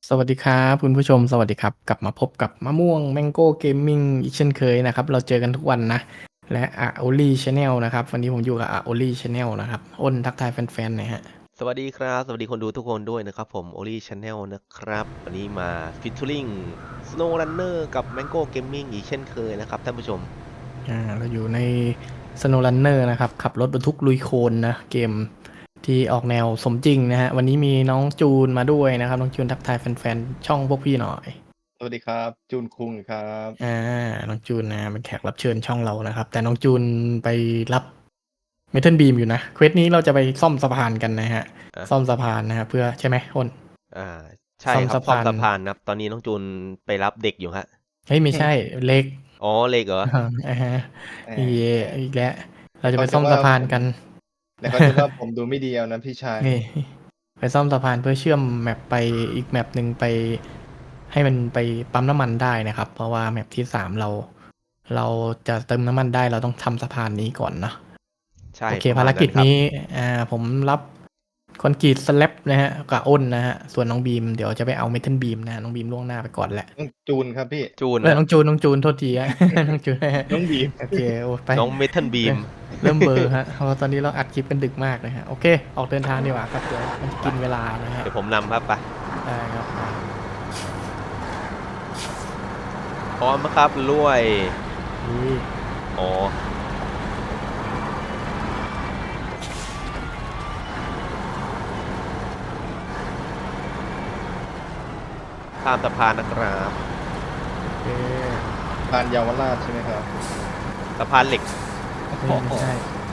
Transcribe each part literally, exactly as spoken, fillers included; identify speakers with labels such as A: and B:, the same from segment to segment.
A: สวัสดีครับคุณผู้ชมสวัสดีครับกลับมาพบกับมะม่วง Mango Gaming อีกเช่นเคยนะครับเราเจอกันทุกวันนะและ Aoli Channel นะครับวันนี้ผมอยู่กับ Aoli Channel นะครับอ้นทักทายแฟนๆหน่อยฮะ
B: สวัสดีครับสวัสดีคนดูทุกคนด้วยนะครับผม Oli Channel นะครับวันนี้มา Featuring Snow Runner กับ Mango Gaming อีกเช่นเคยนะครับท่านผู้ชม
A: อ่าเราอยู่ใน Snow Runner นะครับขับรถบรรทุกลุยโคลนนะเกมที่ออกแนวสมจริงนะฮะวันนี้มีน้องจูนมาด้วยนะครับน้องจูนทักทายแฟนๆช่องพวกพี่หน่อย
C: สวัสดีครับจูนคุงครับ
A: อ่าน้องจูนนะเป็นแขกรับเชิญช่องเรานะครับแต่น้องจูนไปรับ เมทัลบีมอยู่นะเควสนี้เราจะไปซ่อมสะพานกันนะฮะ
B: อ่ะ
A: ซ่อมสะพานนะครับเพื่อใช่ไหมอ้น
B: อ่าใช่
A: ซ่อม
B: ครับซ่อม
A: สะพาน
B: สะพานนะครับตอนนี้น้องจูนไปรับเด็กอยู่ฮะ
A: เฮ้ยไม่ใช่เล็ก
B: อ๋อเล็กเหรอ
A: อ่าฮะ
C: แหม
A: อีอีกแล้วเราจะ
C: เขา
A: ไปซ่อม
C: จะว่าผม
A: สะพานกัน
C: เดี๋ยวเขาจะว่าผมดูไม่ดีเอานะพี่ชาย
A: เฮ้ยไปซ่อมสะพานเพื่อเชื่อมแมปไปอีกแมปหนึ่งไปให้มันไปปั๊มน้ำมันได้นะครับเพราะว่าแมปที่สามเราเราจะเติมน้ำมันได้เราต้องทำสะพานนี้ก่อนเนาะ
B: ใช่
A: โอเค
B: ประ
A: ภาร
B: มาณนั้นครับ
A: กิจนี้อ่าผมรับคอนกรีตสแลบนะฮะกับอ้นนะฮะส่วนน้องบีมเดี๋ยวจะไปเอาเมทัลบีมนะฮะน้องบีมล่วงหน้าไปก่อนแหละ
C: ต้องจูนครับพี่
B: จูน
A: เออ
B: ฮะ
A: น้องจูนน้องจูนโทษทีฮะ น้องจูน
C: น้องบีม
A: โอเคโอ้ไป
B: น้องเมทัลบีม
A: เริ่มเบลอร์ฮะเพราะว่าตอนนี้เราอัดคลิปกันดึกมากเลยฮะโอเคออกเดินทางดีกว่าครับเดี๋ยวมันจะกินเวลานะฮะ
B: เดี๋ยวผมนำครับไป
A: ได้ครับไป
B: พร้อมไหมครับรวย
A: นี่
B: อ๋อข้ามสะพานนะครับ
A: โอเค
C: พานเยาวราชใช่ไหมครับ
B: สะพานเหล็ก
A: ไม่ไม่ใช่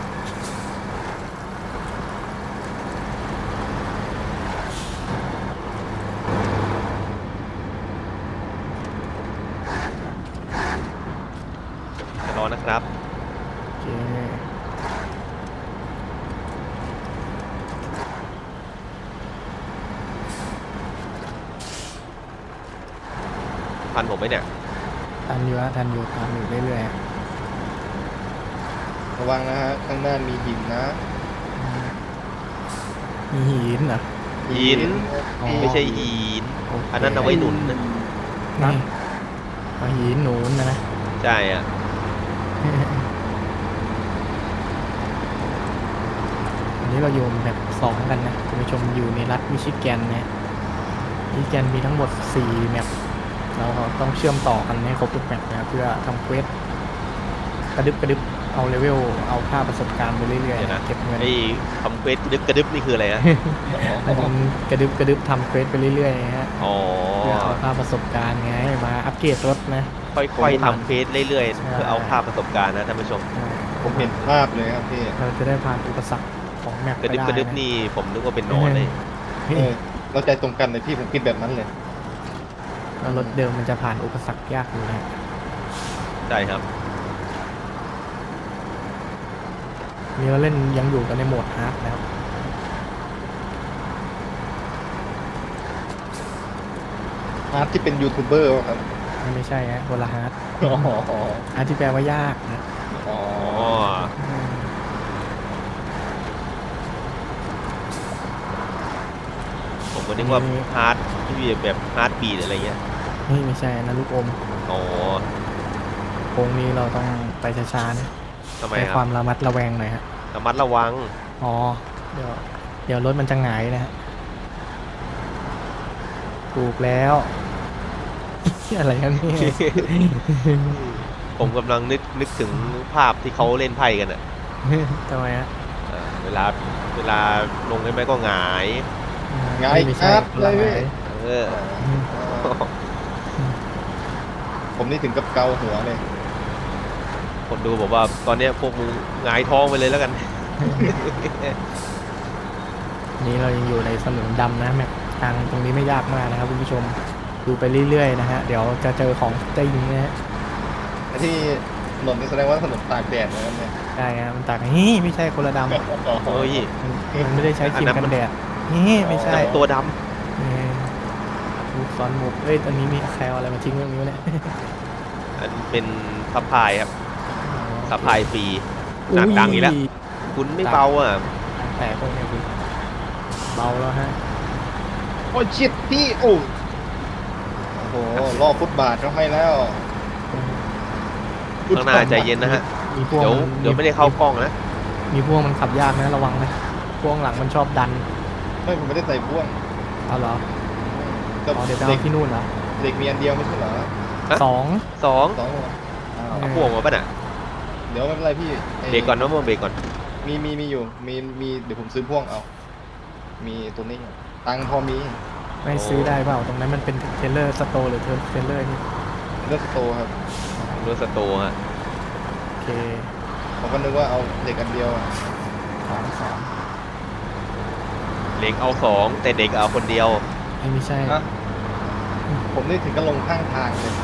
B: จะรอนะครับ
A: โอเค
B: พันผมไหมเนี่ย
A: ทันอยู่ฮะทันอยู่ตามอยู่เรื่อยๆฮะ
C: ระวังนะฮะข้างหน้ามีหินนะ
A: มีหินเหรอ
B: หิน
A: อ๋อ
B: ไม่ใช่หิน
A: โเค
B: อันนั้นเอาไว้หนุนนะ
A: นี่เอาหินหนุนนะนะ
B: ใช่อ่ะ
A: วันนี้เราอยู่แบบสองกันนะคุณผู้ชมอยู่ในรัฐมิชิแกนนะมิชิแกนมีทั้งหมดสี่แมปเราต้องเชื่อมต่อกันให้ครบทุกแมปนะเพื่อทำเควสกระดึบกระดึบเอาเลเวลเอาค่าประสบการณ์ไปเรื่อย
B: เดี๋ยว
A: ๆ
B: นะ
A: เก็บเงิน
B: ไอ้คำเควสกระดึบกระดึบนี่คืออะไรฮะ
A: มันกระดึบกระดึบทำเควสไปเรื่อยๆนะฮะ
B: อ๋อ
A: เพื่อเอาค่าประสบการณ์ไงมาอัปเกรดรถนะ
B: ค่อยๆทำเควสเรื่อย
A: ใช่
B: ๆ เพื่อเอาภาพประสบการณ์นะท่านผู้ชม
C: ผมเห็นภาพเลยครับพี่
A: เราจะได้ผ่านอุปสรรคของแมป
B: ก
A: ไประ
B: ดึบ
A: ได้
B: กระดึบ
A: นะ
B: นี่ผมนึกว่าเป็นหนอนเลย
A: เฮ้
C: เอย อเราใจตรงกันเลยพี่ผมคิดแบบนั้นเลย
A: แล้วรถเดิมมันจะผ่านอุปสรรคยากอยู่นะ
B: ใช่ครับ
A: นี่เราเล่นยังอยู่กันในโหมดฮาร์ดนะครับ
C: ฮาร์ดที่เป็นยูทูบเบอร์ครับ
A: ไม่ใช่ฮะคนละฮาร์ด
C: อ๋อ
A: ฮาร์ดที่แปลว่ายากนะ
C: อ๋อ
B: อ๋อ
A: อืม
B: ผมก็นึกว่าฮาร์ดที่แบบฮาร์ดบีดอะไรเงี้ย
A: นี่ไม่ใช่นะลูกอม
B: อ๋อ
A: โค้งนี้เราต้องไปช้าๆนะ
B: ทำไม
A: ใช้
B: ค
A: ครับ วามระมัดระแวงหน่อยฮะ
B: ระมัดระวัง
A: อ๋อเดี๋ยวเดี๋ยวรถมันจะหงายนะฮะถูกแล้ว อะไรกันเนี่ย
B: ผมกำลังนึกนึกถึงภาพที่เขาเล่นไพ่กันอ่ะ
A: ทำไมฮะ
B: เออเวลาเวลาลงใช่ไหมก็หงาย
C: ง่าย
A: ไม่
C: ค
A: ใช่
C: รับ
A: คน
C: เล
A: ละ
C: ย
A: ห
C: พี่
A: งาย
B: เออ
C: ผมนี่ถึงกับเกาหัวเลย
B: คนดูบอกว่าตอนเนี้ยพวกมึงหงายท้องไปเลยแล้วกัน
A: นี่เรายังอยู่ในสนามดำนะแมปทางตรงนี้ไม่ยากมากนะครับคุณผู้ชมดูไปเรื่อยๆนะฮะเดี๋ยวจะเจอของจริงนะฮะ
C: ไอ้ที่ถนนนี่แสดงว่าถนนตากแดดนะครับเนี่ย
A: ได้ฮะมันต่างกันนี่ไม่ใช่คนละดำ
B: เฮ้ย
A: มันมันไม่ได้ใช้ครีม
B: อันนั้น
A: กั
B: มัน
A: นแดดนี่ไม่ใช่
B: จับตัวด
A: เออลูกซ้อนหมุกเอ้ยตอนนี้มีแคลอะไรมาทิ้งเรื่องนี้วะเนี่ย
B: ำอันเป็นซัพพลายครับ
A: อ๋อ
B: ซัพพลายฟรีหนักดังอีกแล้ว
A: ย
B: คุณไม่เบาอ่ะ
A: แต่พวกเนี้ยคุณเบาแล้วฮะ
C: โอ้ยชิดพี่โอ้รอบฟุตบาทก็ให้แล้ว
B: ข้างหน้าใจเย็นนะฮะ
A: มีพวก
B: เดี๋ยว
A: มัน
B: เดี๋ยวไม่ได้เข้ากล้องนะ
A: มีพวกมันขับยากนะระวังนะพวกหลังมันชอบดัน
C: ไม่ผมไม่ได้ใส่พ่วง
A: เอาเหรอ
C: ก็
A: อ๋อเดี๋ยวจะ
C: เด็
A: เอา
C: ก
A: ที่นู่นเหรอ
C: เด็กมีอันเดียวไม่ใช่เหรอ
B: ฮะ
A: สอง
B: สอง
C: สองหัวอ้าว
B: เอาพ่วงมาป่ะน่ะ
C: เดี๋ยวไม่เป็นไรพี่ไ
B: เบรกก่อนนะมึงเบรกก่อน
C: มีมีมีอยู่มีมีเดี๋ยวผมซื้อพ่วงเอา มีตัวนี้อยู่ตังค์พอมี
A: ไม่ซื้อได้เปล่าตรงนั้นมันเป็นเทรลเลอร์สโตร์หรือเทรลเลอร์นี่
C: เลือกสโตร์ครับ
B: รถสโตร์ฮะ
A: โอเค
C: ผมก็นึกว่าเอาเด็กอันเดียวอะ
A: สองสอง
B: เด็กเอาสองแต่เด็กเอาคนเดียว
A: ไม่ไม่ใช่
C: ฮะผมนี่ถึงก็ลงข้างทางเลย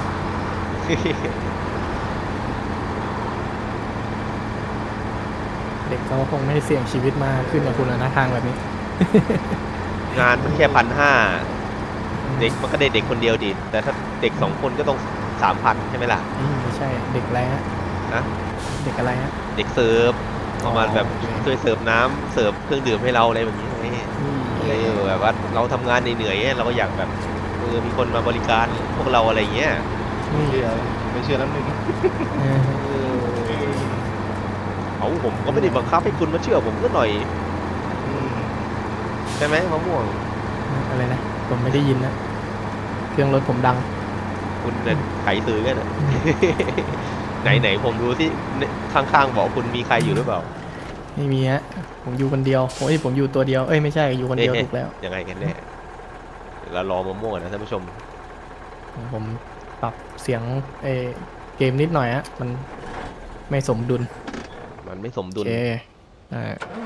A: เด็กเขาคงไม่ได้เสี่ยงชีวิตมาขึ้นกับคุณแล้วนะทางแบบนี้
B: งานมันแค่พันห้าเด็กมันก็ได้เด็กคนเดียวดิแต่ถ้าเด็กสองคนก็ต้องสามพันใช่ไหมล่ะ
A: นี่ไม่ใช่เด็กอะไรฮะ
B: นะ
A: เด็กอะไรฮะ
B: เด็กเสิร์ฟประมาณแบบ
A: โอเค
B: ช่วยเสิร์ฟน้ำเสิร์ฟเครื่องดื่มให้เราอะไรแบบนี้ไง
A: นี่
B: เออแบบว่าเราทำงานเหนื่อยๆเราก็อยากแบบเออมีคนมาบริการพวกเราอะไรเงี้ย
A: นี่
C: เชื่อไม่เชื่อแล้วนึง
A: เออ
B: เออเอาผมก็ไม่ได้บังคับให้คุณมาเชื่อผมก็หน่อย
C: อืม
B: ใช่ไหมมะม่วง
A: อะไรนะผมไม่ได้ยินนะเครื่องรถผมดัง
B: คุณเนี่ยไขซื้อกันอะ ไหนไหนผมดูที่ข้างๆบอกคุณมีใครอยู่หรือเปล่า
A: ไม่มีฮะผมอยู่คนเดียวโอ้ยผมอยู่ตัวเดียวเอ้ยไม่ใช่อยู่คนเดียว
B: เอ๊ะ
A: ถูกแล้ว
B: ยังไงกันแน่เดี๋ยวเรารอมะม่วงนะท่านผู้ชม
A: ผมปรับเสียงเออเกมนิดหน่อยฮะมันไม่สมดุล
B: มันไม่สม
A: โอ
B: ดุล
A: เคอ่า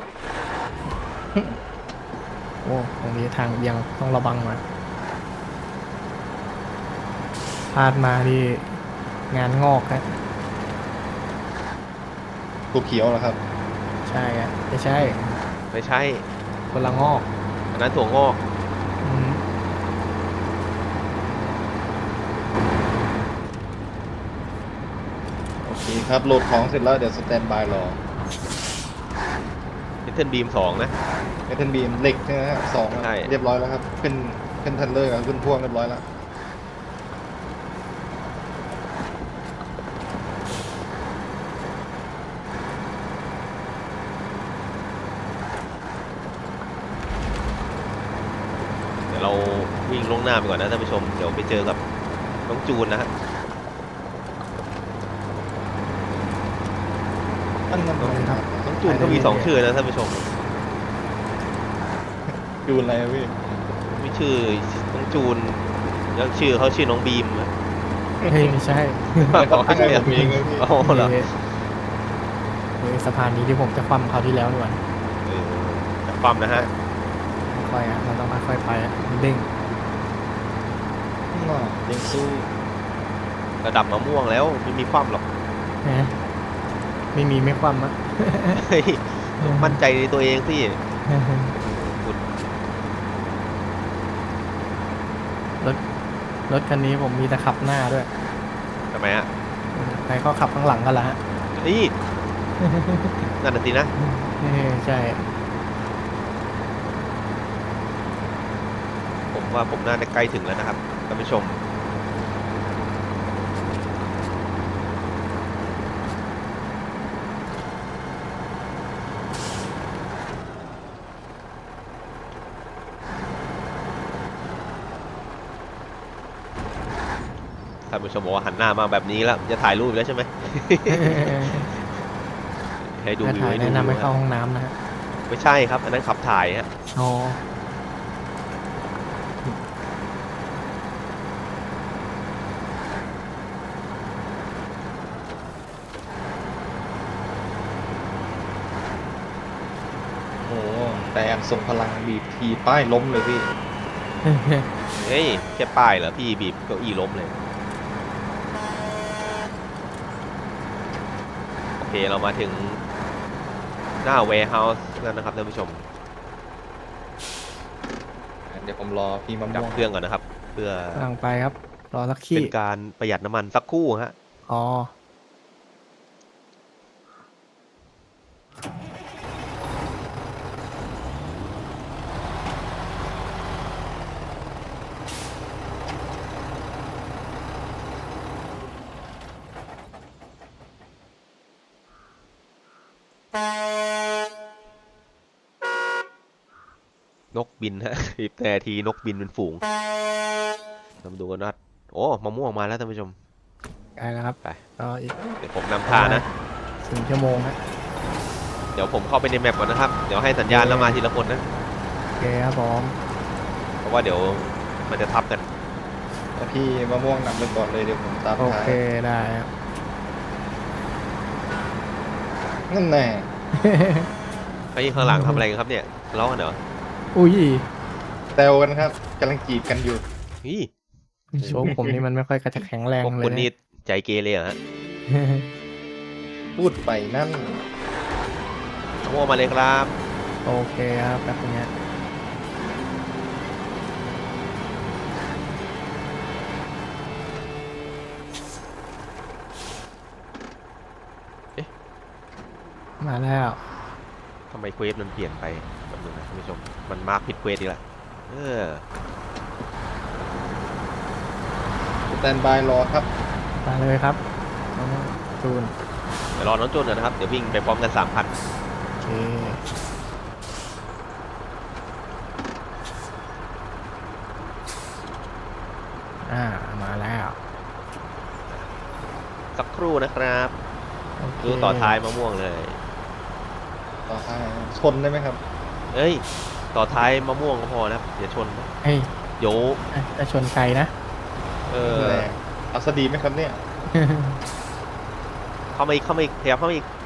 A: โอ้ตรงนี้ทางเบี่ยังต้องระวังหน่อยพลาดมาที่งานงอกฮะ
C: ตัวเขียวเหรอครับ
A: ใช่ฮะไม่ใช่
B: ไม่ใช่
A: คนละงอก
B: อันนั้นถั่วงอก
A: อืม
C: โอเคครับโหลดของเสร็จแล้วเดี๋ยวสแตนบายรอ
B: เป็นเทนบีมสองนะ
C: เอเทนบีมเหล็กใช่ไหมฮะสองอะ
B: ใช่
C: เรียบร้อยแล้วครับขึ้นขึ้นทันเลอร์กับขึ้นพ่วงเรียบร้อยแล้ว
B: เดี๋ยวเราวิ่งลงหน้าไปก่อนนะท่านผู้ชม เดี๋ยวไปเจอกับน้องจูนนะฮะ
C: นั่นนั่น
A: ขอบคุณครับ
B: น้องจูนก็มีสองชื่อนะท่านผู้ชม
C: ดูอะไรอะพี่
B: มีชื่อน้องจูนแล้วชื่อเขาชื่อน้องบีมนะ
A: เฮ้ยไม่ใช่
C: แล้วก็ตั้งให้ผมเองเลยพี่
B: อ๋อเหรอ
A: เฮ้ยเฮ้ยสะพานนี้ที่ผมจะคว่ำคราวที่แล้วนี่หว่า
B: เออจับความนะฮะ
A: ค่อยๆอ่ะเราต้องค่อยๆไปอ่ะมันเด้ง
C: น่ายังสู้
B: ระดับมะม่วงแล้วไม่มีความหรอก
A: นะไม่มีไม่คว่ำอ่ะ
B: เฮ้ยมั่นใจในตัวเองสิ
A: รถรถคันนี้ผมมีแต่ขับหน้าด้วย
B: ทำไมฮะ
A: ใครก็ขับข้างหลังกันละฮะ
B: นี่นั่นน่ะสินะ
A: เออใช่
B: ผมว่าผมน่าจะใกล้ถึงแล้วนะครับท่านผู้ชม ท่านผู้ชมบอกว่าหันหน้ามาแบบนี้แล้วจะถ่ายรูปอีกแล้วใช่ไหม ให้ดู
A: ถ้า
B: วิว
A: ถ่าย
B: ให้ดู
A: แนะนำให้
B: วิว
A: เข้า
B: ฮะ
A: ห้องน้ำนะฮะ
B: ไม่ใช่ครับ อันนั้นขับถ่ายฮะ
A: อ๋อ
C: โอ้โหแต่อันทรงพลังบีบทีป้ายล้มเลยพี่
B: เฮ้ย แค่ป้ายเหรอพี่บีบเก้าอี้ล้มเลย โอเคเรามาถึงหน้า warehouse แล้วนะครับท่านผู้ชม
C: เดี๋ยวผมรอพี่มะ
B: ดับ
C: ม่วง
B: เครื่องก่อนนะครับ เพื่อก
A: ำลังไปครับ รอสักขี้
B: เป็นการประหยัดน้ำมันสักครู่ฮะ
A: อ๋อ
B: นกบินฮะ สิบนาทีนกบินเป็นฝูงเรามาดูกันว่าโอ้มะม่วงมาแล้วท่านผู้ชม
A: ใกล้แล้วครับ
B: ไป
A: ก็อีก
B: เดี๋ยวผมนำทางนะ
A: สี่ชั่วโมงฮะ
B: เดี๋ยวผมเข้าไปในแมปก่อนนะครับ เดี๋ยวให้สัญญาณแล้วมาทีละคนนะ
A: โอเคครับผม
B: เพราะว่าเดี๋ยวมันจะทับกัน
C: แล้วพี่มะม่วงนำไปก่อนเลยเดี๋ยวผมตาม
A: โอ
C: ท้าย
A: เคได้ครับ
C: นั่นแน่
B: ไอ้ข้างหลังทำอะไรกันครับเนี่ยทะเลาะกันเหรอ
A: อุ้ย
C: แซวกันครับกำลังจีบกันอยู่
B: นี่
A: โชว์ผมนี่มันไม่ค่อยกระจะแข็งแรง
B: พวก
A: เล
B: คุณ
A: ย
B: นี่ใจเกเรเหรอฮะ
C: พูดไปนั่น
B: มะม่วงมาเลยครับ
A: โอเคครับแบบนี้
B: เอ๊ะ
A: มาแล้ว
B: ทำไมเควสมันเปลี่ยนไปแบบนึงนะท่านผู้ชม มันมาร์คผิดเควสอีกแล้วเออ
C: สแตนบายรอครับ
A: มาเลยครับน้องจูน
B: เดี๋ยวรอน้องจูนก่อนนะครับ เดี๋ยววิ่งไปพร้อมกันสามพัน
A: โอเคอ่ามาแล้ว
B: สักครู่นะครับ
A: โอเค
B: ดูต่อท้ายมะม่วงเลย
C: ต่อท้ายชนได้ไหมครับ
B: เอ้ย ต่อท้ายมะม่วงก็พอนะครับอย่าชนนะ
A: เฮ้ย
B: เดี๋ยว
A: จะชนใครนะ
B: เออ
C: แรงเอาสดีไหมครับเนี่ย
B: เข้ามาอีกเข้ามาอีกขยับเข้ามาอีก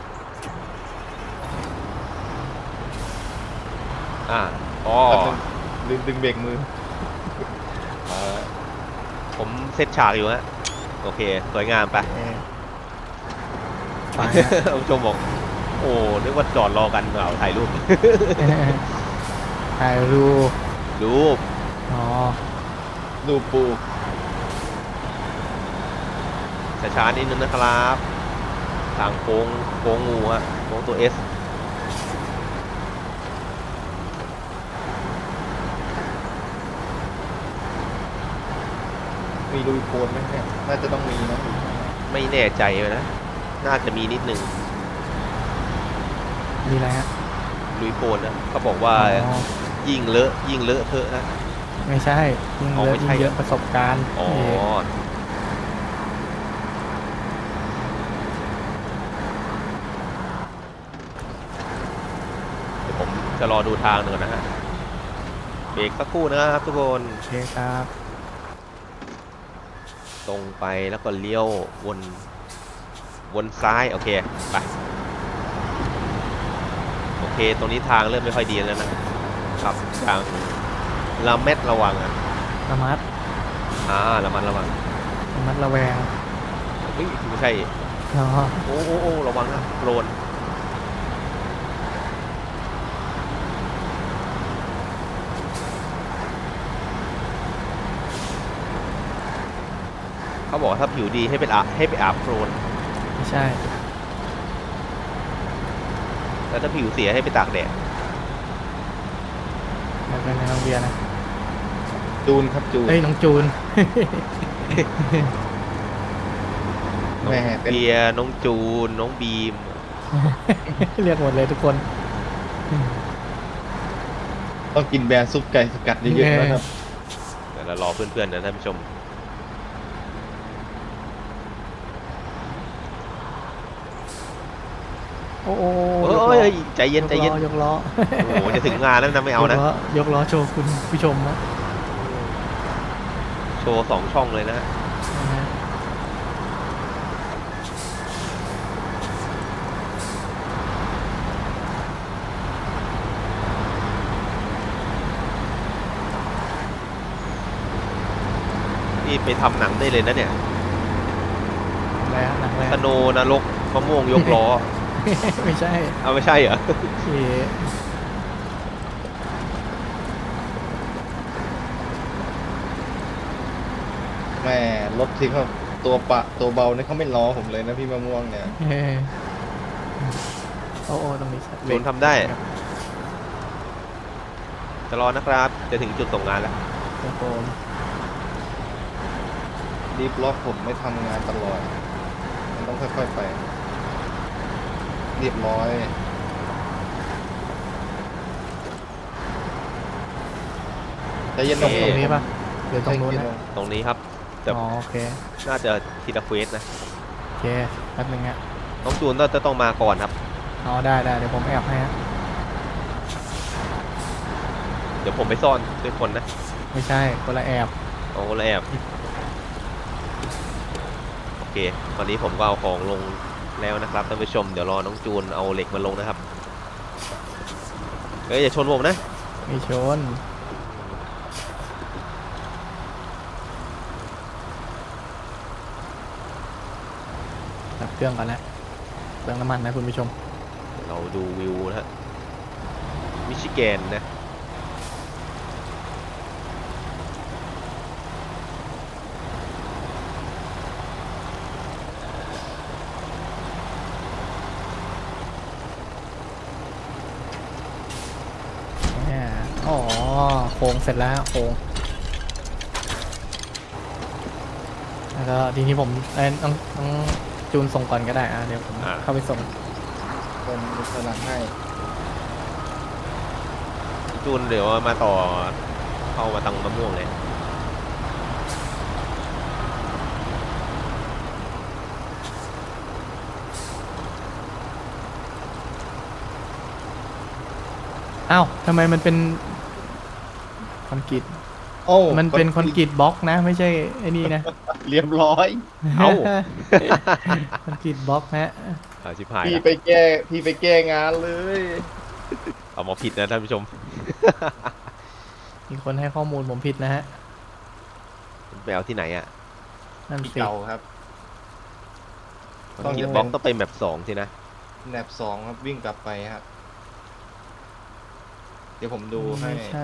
B: อ่าอ๋อ
C: แป๊บนึงลืมดึงเบรกมือมา
B: ผมเซตฉากอยู่ฮะ โอเค สวยงามไป
A: เออไป
B: ท่านผู้ชมบอก โอ้นึกว่าจอดรอกันเปล่าถ่ายรูป
A: ถ่ายรูป
B: รูป
A: อ๋อ
C: ดูปู
B: ช้าๆนิดนึงนะครับ ทางโค้งโค้งงูฮะโค้งตัว S
C: มีลุยโคลนไหมเนี่ยน่าจะต้องมีนะ
B: ไม่แน่ใจเลยนะ น่าจะมีนิดนึง
A: มีอะไรฮะ
B: ลุยโคลนนะเขาบอกว่า
A: อ๋อ
B: ยิ่งเลอะยิ่งเลอะเทอะนะ
A: ไม่ใช่ยิ่ง
B: อ๋อ
A: เยอะ
B: ไม่ใช่
A: ยิ่งเยอะประสบการณ์
B: อ๋อ
A: นี่
B: เดี๋ยวผมจะรอดูทางหนึ่งก่อนนะฮะ เบรกสักครู่นะครับทุกคน
A: โอเคครับ
B: ตรงไปแล้วก็เลี้ยววน วนซ้าย โอเค ไป โอเค ตรงนี้ทางเริ่มไม่ค่อยดีแล้วนะครับทางระเม็ดระวังอ่ะ
A: ระมัด
B: อ่าระมัดระวัง
A: ระมัดระแวง
B: เฮ้ยไม่ใช่
A: อ๋อ
B: โอ้โอ้โอ้ระวังนะโดรนเขาบอกว่าถ้าผิวดีให้ไปอาบให้ไปอาบโครน
A: ไม่ใช่
B: แล้วถ้าผิวเสียให้ไปตากแดด
A: มันเป็นในโรงเรียนนะ
C: จูนครับจูน
A: เฮ้ยน้องจูน
B: น้อง
C: แม่เป็น
B: เบียร์น้องจูน น้องบีม
A: เรียกหมดเลยทุกคน
C: ต้องกินแบรนด์ซุปไก่สกัดเยอะๆนะครับ
B: เดี๋ยวเรารอเพื่อนๆนะท่านผู้ชม
A: โอ้โห
B: เฮ้ยใจเย็นใจเย็น
A: ยกล้อยกล้อ
B: โอ้โหจะถึงงานแล้วนะไม่เอานะ
A: ยกล้อยกล้อโชว์คุณผู้ชมนะ
B: โชว์สองช่องเลยนะ
A: นะฮะ
B: นี่ไปทำหนังได้เลยนะเนี่ย
A: อะไรฮะหนังอะไร
B: ส
A: ฮะ
B: โนว์นรกมะม่วงยกล้อ
A: ไม่ใช่
B: เอาไม่ใช่เหรอ
A: โอเค
C: แม่รถที่เขาตัวปะตัวเบาเนี่ยเขาไม่ล้อผมเลยนะพี่มะม่วงเนี่ย
A: เฮ้ยโอ้โอ้ตรงนี้
B: จูนทำได้ จะรอนะครับ จะถึงจุดส่งงานแล้ว
A: ครับผม
C: ดีบล็อกผมไม่ทำงานตลอด มันต้องค่อยๆไป เรียบร้อยใจเย็น
A: ต
C: ล
A: รง
C: ง
A: ตรงนี้ปะหรือตรงนู้น
C: ใช่
A: นะ
B: ตรงนี้ครับแต่
A: อ๋อโอเค
B: น่าจะทีละเควสนะ
A: โอเคแป๊บนึงฮะ
B: น้องจูนต้องจะต้องมาก่อนครับ
A: อ๋อได้ได้เดี๋ยวผมแอบให้ฮะ
B: เดี๋ยวผมไปซ่อนด้วยคนนะ
A: ไม่ใช่คนละแอบ
B: เอาแล้วแอบโอเคตอนนี้ผมก็เอาของลงแล้วนะครับท่านผู้ชมเดี๋ยวรอน้องจูนเอาเหล็กมาลงนะครับเฮ้ยอย่าชนผมนะ
A: มีชนดับเครื่องก่อนนะเครื่องน้ำมันนะคุณผู้ชม
B: เราดูวิวนะฮะมิชิแกนนะ
A: เนี่ยอ๋อโค้งเสร็จแล้วโค้งแล้วก็ทีนี้ผมเอ้ยต้องต้องจูนส่งก่อนก็ได้อ่ะเดี๋ยวผม
B: อ่า
A: เข้าไปส่ง
C: คนกำลังให้
B: จูนเดี๋ยวมาต่อเข้ามาตังมะม่วงเลย
A: อ้าวทำไมมันเป็นคอนกรีต
C: โอ้
A: มันเป็นคอนกรีตบล็อกนะ ไม่ใช่ไอ้นี่นะ
C: เรียบร้อย
B: เอ้า
A: คอนกรีตบล็อกนะ
B: เอาชิบหาย
C: พี่
B: ละ
C: ไปแก้พี่ไปแก้งานเลย
B: เอามาผิดนะท่านผู้ชม
A: มีคนให้ข้อมูลผมผิดนะฮะ
B: ไปเอาที่ไหนอ่ะ
A: นั่น
C: พี่
A: สิ
C: เก่าครับ
B: ต้องกินบล็อกต้องเป็นแบบสองสินะ
C: แนบสองครับวิ่งกลับไปครับ เดี๋ยวผมดูให้
A: ไม่ใช่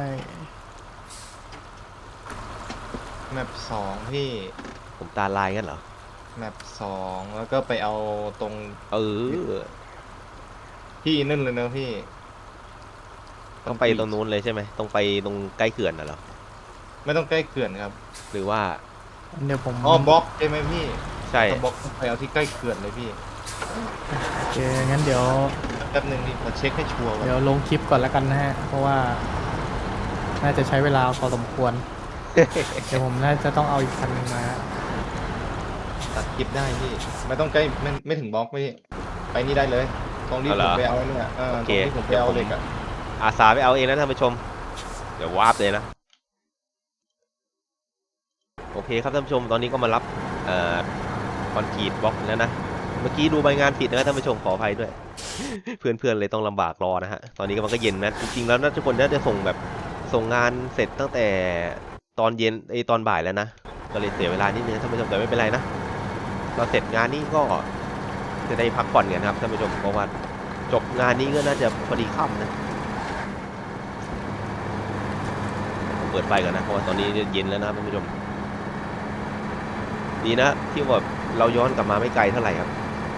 C: แมปสองพี่
B: ผมตาลายงั้นเหรอ
C: แมปสองแล้วก็ไปเอาตรง
B: เออ
C: พี่นั่นเลยนะพี่
B: ต้องไปตรงนู้นเลยใช่ไหมต้องไปตรงใกล้เขื่อนน่ะเหรอ
C: ไม่ต้องใกล้เขื่อนครับ
B: หรือว่า
A: เดี๋ยวผม
C: อ๋อบล็อกใช่ไหมพี่
B: ใช่
C: ถ้าบล็อกต้องไปเอาที่ใกล้เขื่อนเลยพี่
A: โอเคงั้นเดี๋ยว
C: แป๊บนึงนี่มาเช็คให้ชัวร์ก่อน
A: เดี๋ยวลงคลิปก่อนแล้วกันนะฮะ เพราะว่าน่าจะใช้เวลาพอสมควร เดี๋ยวผมน่าจะต้องเอาอีกคันหนึงมา
C: ตัดคลิปได้พี่ ไม่ต้องใกล้ไม่ไม่ถึงบล็อกพี่ ไปนี่ได้เลย ตรงที่
B: เอาเหร
C: ผม
B: อ
C: ไปเอาเนี่ยเออ
B: โอ
C: ตร
B: เค
C: งที่ผมไปเอาเหล็กอะ
B: อาสาไปเอาเองนะท่านผู้ชม เดี๋ยววาร์ปเลยนะ โอเคครับท่านผู้ชม ตอนนี้ก็มารับเอ่อคอนกรีตบล็อกแล้วนะ เมื่อกี้ดูใบงานผิดนะท่านผู้ชมขออภัยด้วย เพื่อนๆเลยต้องลำบากรอนะฮะ ตอนนี้ก็มันก็เย็นนะ จริงๆแล้วนะทุกคนน่าจะส่งแบบส่งงานเสร็จตั้งแต่ตอนเย็นไอยตอนบ่ายแล้วนะ ก็เลยเสียเวลานิดนึงท่านผู้ชมแต่ไม่เป็นไรนะ เราเสร็จงานนี้ก็จะได้พักผ่อนกันครับท่านผู้ชมเพราะว่าจบงานนี้ก็น่าจะพอดีค่ำนะผมเปิดไฟก่อนนะเพราะว่าตอนนี้เย็นแล้วนะท่านผู้ชมดีนะที่ว่าเราย้อนกลับมาไม่ไกลเท่าไหร่ครับ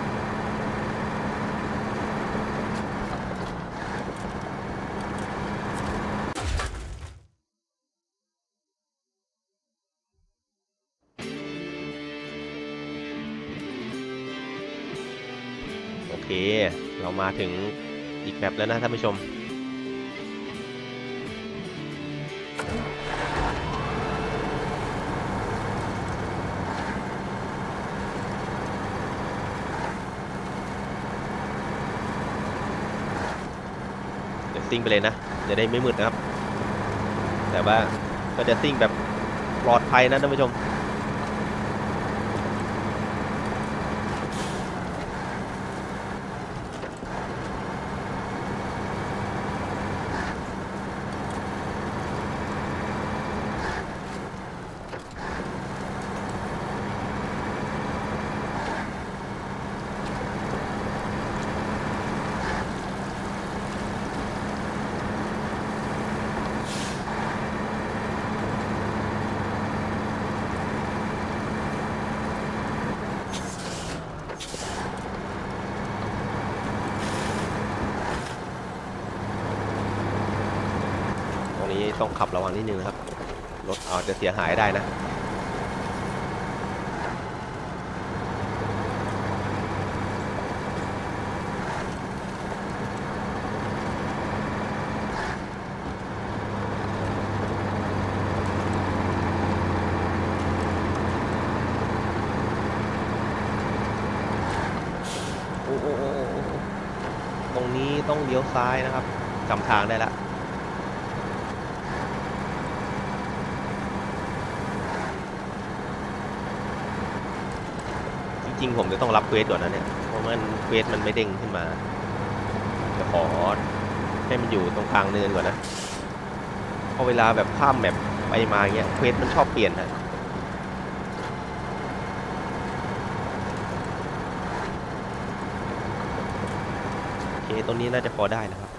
B: โอเคเรามาถึงอีกแมปแล้วนะท่านผู้ชมเดี๋ยวซิ่งไปเลยนะจะได้ไม่มืดนะครับแต่ว่าก็จะซิ่งแบบปลอดภัยนะท่านผู้ชมตรงนี้ต้องขับระวังนิดนึงนะครับรถอาจจะเสียหายได้นะอ้โอ้โอ้โอ้โอ้ตรงนี้ต้องเลี้ยวซ้ายนะครับจำทางได้ละจริงๆผมจะต้องรับเควสก่อนนะเนี่ยเพราะมันเควสมันไม่เด้งขึ้นมาจะขอให้มันอยู่ตรงกลางเนินก่อนนะพอเวลาแบบข้ามแบบไปมาเงี้ยเควสมันชอบเปลี่ยนนะโอเคตรงนี้น่าจะพอได้นะครับ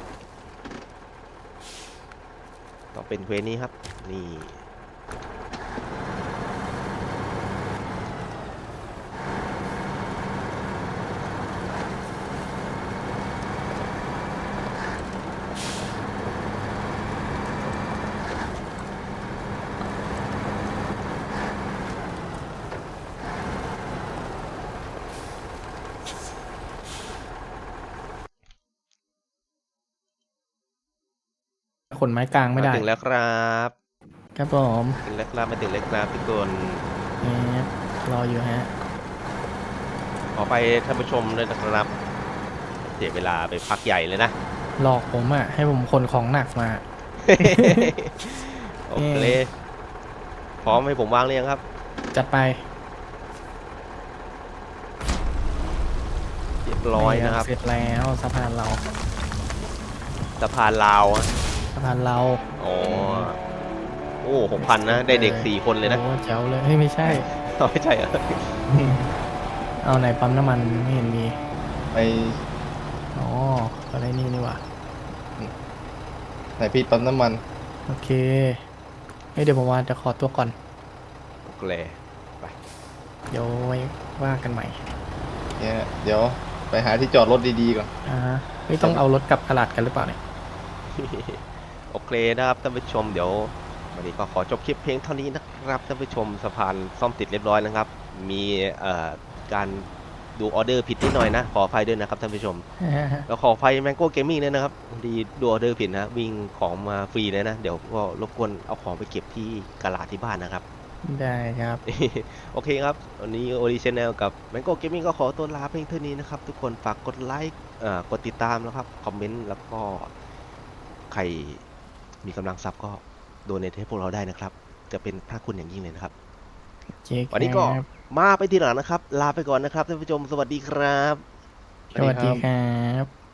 B: ต้องเป็นเควสนี้ครับนี่
A: ขนไม้กลางไม่
B: มา
A: ได้
B: ถึงแล้วครับ
A: ครับผม
B: ถึงแล้วครับมาถึงแล้วครับทุกคน
A: แอบรออยู่ฮะ
B: ขอไปท่านผู้ชมด้วยนะครับเสียเวลาไปพักใหญ่เลยนะ
A: หลอกผมอ่ะ ให้ผมขนของหนักมา
B: โอเคพร้อมให้ผมวางเรียงครับ
A: จัดไป
B: เรียบร้อยนะครับ
A: เสร็จแล้วสะพานเรา
B: สะพานลาวอะ
A: สะพานเรา
B: อ๋อโอ้หกพันนะ ได้เด็กสี่คนเลยนะ
A: โอ้แจ๋วเลยเฮ้ยไม่ใช่
B: ไม่ใช่เหรอ
A: เอาไหนปั๊มน้ำมันไม่เห็นมี
C: ไป
A: อ๋ออะไรนี่นี่หว่า
C: ไหนพี่ปั๊มน้ำมัน
A: โอเคเฮ้ยเดี๋ยวผมว่าจะขอตัวก่อน
B: โอเค
A: เดี๋ยวไว้ว่ากันใหม่
C: เนี่ยเดี๋ยวไปหาที่จอดรถดีๆก่อน
A: อ่าฮะไม่ต้องเอารถกลับตลาดกันหรือเปล่าเนี่ย
B: โอเคนะครับท่านผู้ชมเดี๋ยววันนี้ก็ขอจบคลิปเพียงเท่านี้นะครับท่านผู้ชมสะพานซ่อมติดเรียบร้อยแล้วครับ มีเอ่อการดูออเดอร์ผิดนิดหน่อยนะ ขออภัยด้วยนะครับท่านผู้ชม แล้วขออภัยแมงโก้เกมมิ่งด้วยนะครับพอดีดูออเดอร์ผิดนะวิ่งของมาฟรีเลยนะ เดี๋ยวก็รบกวนเอาของไปเก็บที่กะลาที่บ้านนะครับ
A: ได้ครับ
B: โอเคครับ วันนี้โอริชแนลกับ Mango Gaming ก็ขอตัวลาเพียงเท่านี้นะครับ ทุกคนฝากกดไลค์เอ่อกดติดตามนะครับ คอมเมนต์ แล้วก็ใครมีกำลังทรัพย์ก็โดเนทให้พวกเราได้นะครับ จะเป็นพระคุณอย่างยิ่งเลยนะครับ
A: เจ๊ค
B: วันนี้ก็
A: รับ
B: มาไปทีหลังนะครับ ลาไปก่อนนะครับท่านผู้ชม สวัสดีครับ
A: สวัสดีครับ